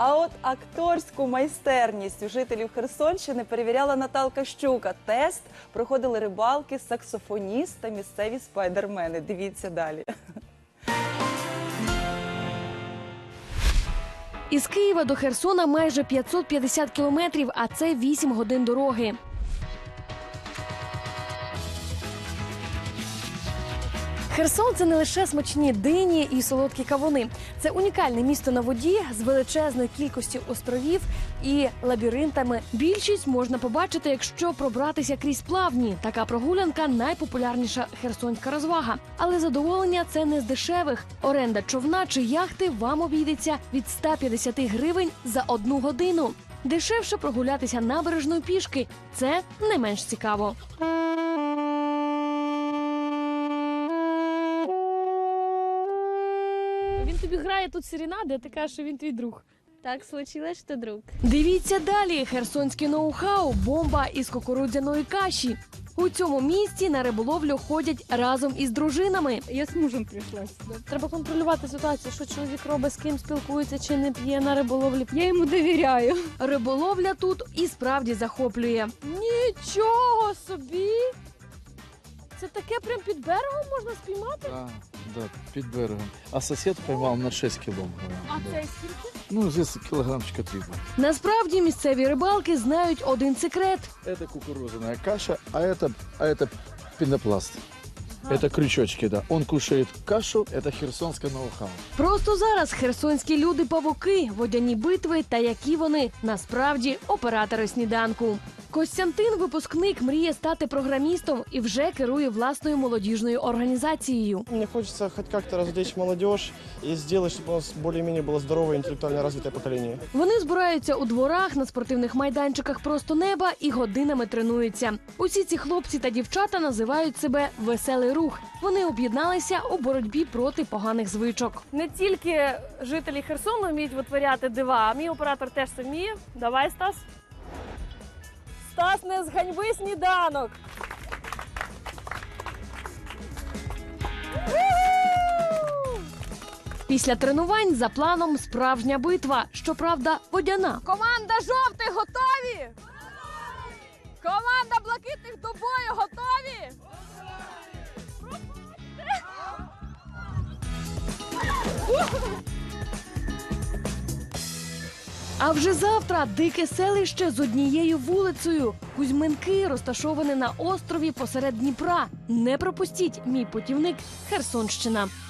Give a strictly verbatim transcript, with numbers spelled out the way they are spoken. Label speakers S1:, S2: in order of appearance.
S1: А от акторську майстерність у жителів Херсонщини перевіряла Наталка Щука. Тест проходили рибалки, саксофоніст та місцеві спайдермени. Дивіться далі.
S2: Із Києва до Херсона майже п'ятсот п'ятдесят кілометрів, а це вісім годин дороги. Херсон – це не лише смачні дині і солодкі кавуни. Це унікальне місто на воді з величезною кількістю островів і лабіринтами. Більшість можна побачити, якщо пробратися крізь плавні. Така прогулянка – найпопулярніша херсонська розвага. Але задоволення – це не з дешевих. Оренда човна чи яхти вам обійдеться від ста п'ятдесяти гривень за одну годину. Дешевше прогулятися набережною пішки – це не менш цікаво. Він тобі грає тут серенади, а ти кажеш, що він твій друг.
S3: Так случилось, що друг.
S2: Дивіться далі. Херсонське ноу-хау – бомба із кукурудзяної каші. У цьому місті на риболовлю ходять разом із дружинами.
S3: Я з мужем прийшла сюди.
S2: Треба контролювати ситуацію, що чоловік робить, з ким спілкується чи не п'є на риболовлі.
S3: Я йому довіряю.
S2: Риболовля тут і справді захоплює. Нічого собі! Це таке прям під берегом можна спіймати?
S4: Да, да, під берегом. А сусід поймав на шість кіло.
S2: А
S4: да.
S2: це скільки?
S4: Ну, здесь кілограмчика три.
S2: Насправді місцеві рибалки знають один секрет.
S4: Это кукурузная каша, а это, а это пенопласт. Это крючочки, да. Он кушает кашу, это херсонское ноу-хау.
S2: Просто зараз херсонські люди-павуки, водяні битви та які вони насправді оператори сніданку. Костянтин, випускник, мріє стати програмістом і вже керує власною молодіжною організацією.
S5: Мне хочется хоть как-то развлечь молодежь и сделать, чтобы у нас более-менее было здоровое, интеллектуально развитое поколение.
S2: Вони збираються у дворах, на спортивних майданчиках просто неба і годинами тренуються. Усі ці хлопці та дівчата називають себе «Веселий рух». Вони об'єдналися у боротьбі проти поганих звичок. Не тільки жителі Херсону вміють витворяти дива, а мій оператор теж це вміє. Давай, Стас. Стас, не зганьби сніданок! Після тренувань за планом справжня битва, щоправда, водяна. Команда жовтих готові? Команда блакитних до бою готові? А вже завтра дике селище з однією вулицею. Кузьминки розташовані на острові посеред Дніпра. Не пропустіть, мій путівник Херсонщина.